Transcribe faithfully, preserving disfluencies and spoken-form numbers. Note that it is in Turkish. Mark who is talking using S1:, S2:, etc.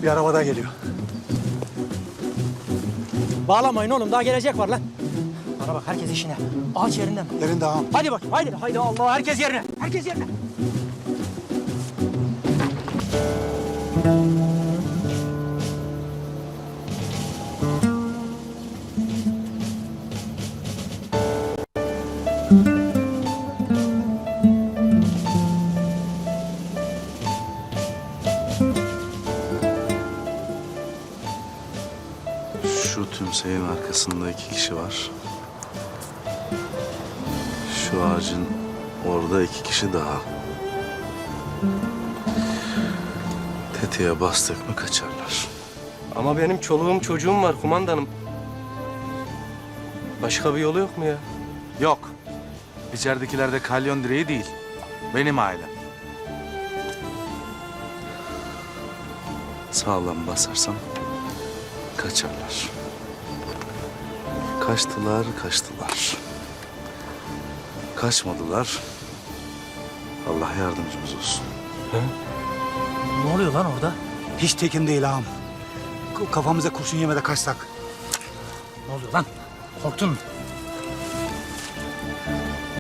S1: Bir araba daha geliyor.
S2: Bağlamayın oğlum, daha gelecek var lan. Bana bak, herkes işine. Ağaç yerinden.
S1: Yerinde ağam.
S2: Hadi bakayım, haydi, haydi Allah, herkes yerine. Herkes yerine.
S3: Şu tümseyin arkasında iki kişi var. Şu ağacın orada iki kişi daha. Tetiğe bastık mı kaçarlar.
S4: Ama benim çoluğum çocuğum var kumandanım. Başka bir yolu yok mu ya?
S5: Yok. İçeridekiler de kalyon direği değil. Benim ailem.
S3: Sağlam basarsan kaçarlar. Kaçtılar, kaçtılar. Kaçmadılar. Allah yardımcımız olsun.
S2: Ne oluyor lan orada?
S1: Hiç tekin değil ağam. K- Kafamıza kurşun yemede kaçsak.
S2: Ne oluyor lan? Korktun mu?